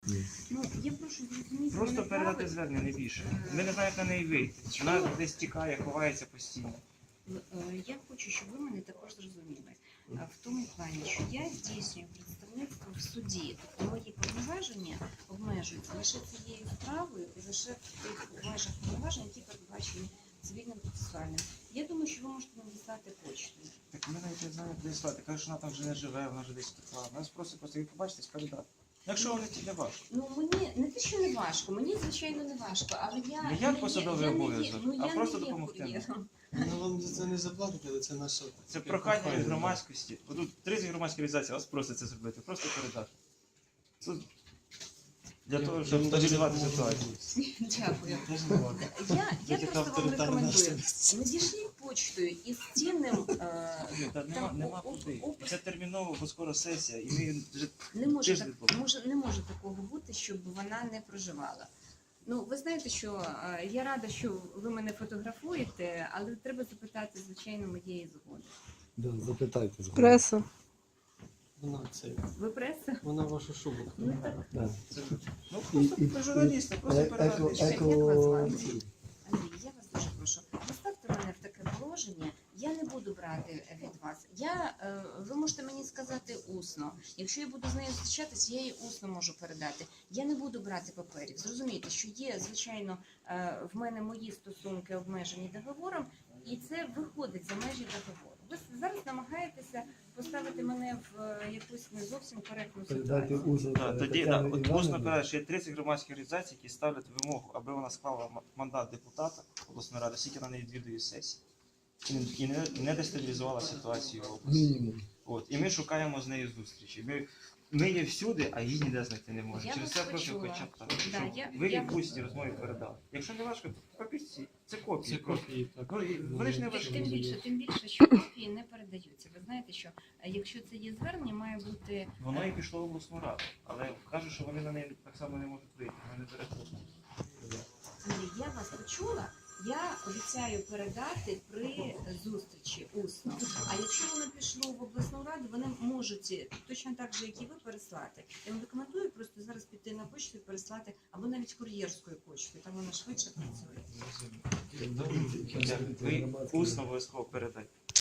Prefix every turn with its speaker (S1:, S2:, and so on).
S1: Ну, я прошу зрозуміти.
S2: Просто
S1: мене
S2: передати
S1: правильно.
S2: звернення, не більше. Ми не знаємо, як на неї вийти. Вона десь тікає, ховається постійно.
S1: Я хочу, щоб ви мене також зрозуміли. В тому плані, що я здійснюю представництво в суді, тобто мої повноваження обмежуються лише цією справою і лише в тих межах повноважень, які передбачені цивільним процесуальним. Я думаю, що ви можете надіслати почтою.
S2: Так ми навіть не знаємо, де слати. Каже, що вона там вже не живе, вона вже десь текла. Нас просто ви побачите, передати. Якщо вони ті не важко.
S1: Ну, мені не те, що не важко, мені, звичайно, не важко, але я
S2: Не як
S1: не є-
S2: посадовий
S1: я не є-
S2: обов'язок,
S1: ну,
S2: а
S1: я
S2: просто
S1: не є
S2: допомогти нам.
S1: кур'єром.
S3: Ну, вам за це не заплатять, але це наша...
S2: Це прохання від громадськості. Бо тут 30 громадських організацій вас просять це зробити, просто передати. Це для того, щоб стабілізувати ситуацію.
S1: Дякую.
S3: Я
S1: Я
S3: така
S1: просто вам
S3: авторитарна
S1: рекомендую.
S3: національність.
S1: Надішліть почтою із цінним
S2: Нема куди.
S1: опис.
S2: Це терміново, бо скоро сесія, і ми вже
S1: Не може,
S2: тиждень
S1: не може такого бути, щоб вона не проживала. Ну, ви знаєте, що я рада, що ви мене фотографуєте, але треба запитати, звичайно, моєї згоди.
S4: Да, запитайте.
S5: Преса.
S3: Вона це...
S1: Ви преса?
S3: Вона вашу шубу.
S1: Ну так,
S4: Да.
S2: ну просто журналісти, просто передати.
S1: Як вас звати? Андрій, я вас дуже прошу, поставте мене в таке положення, я не буду брати від вас. Ви можете мені сказати усно. Якщо я буду з нею зустрічатися, я їй усно можу передати. Я не буду брати паперів. Зрозумійте, що є, звичайно, в мене мої стосунки обмежені договором, і це виходить за межі договору. Ви зараз намагаєтеся поставити мене в якусь не зовсім коректну
S4: Передати
S1: ситуацію.
S4: усно.
S2: Тоді усно передати, що є 30 громадських організацій, які ставлять вимогу, аби вона склала мандат депутата обласної ради, скільки на неї відвідує сесії. І не дестабілізувала ситуацію в області.
S4: Мінімум.
S2: От. І ми шукаємо з нею зустрічі. Ми є всюди, а її ніде знайти не можемо.
S1: Я
S2: Через
S1: вас
S2: це прошу
S1: почула.
S2: хоча б так,
S1: Да,
S2: щоб
S1: я-
S2: ви
S1: я-
S2: їй в усній розмові передали. Якщо не важко, то папірці. Це копії.
S3: Це копії, так.
S2: Ну, і вони ж не важкі.
S1: Тим більше, що копії не передаються. Ви знаєте, що якщо це є звернення, має бути
S2: Воно і пішло в обласну раду. Але кажуть, що вони на неї так само не можуть вийти, вони не переходять.
S1: Андрій, я вас почула. Я обіцяю передати при зустрічі усно. А якщо воно пішло в обласну раду, вони можуть точно так же, як і ви, переслати. Я вам рекомендую просто зараз піти на почту і переслати, або навіть кур'єрською почтою, там вона швидше працює.
S2: Ви усно обов'язково передайте.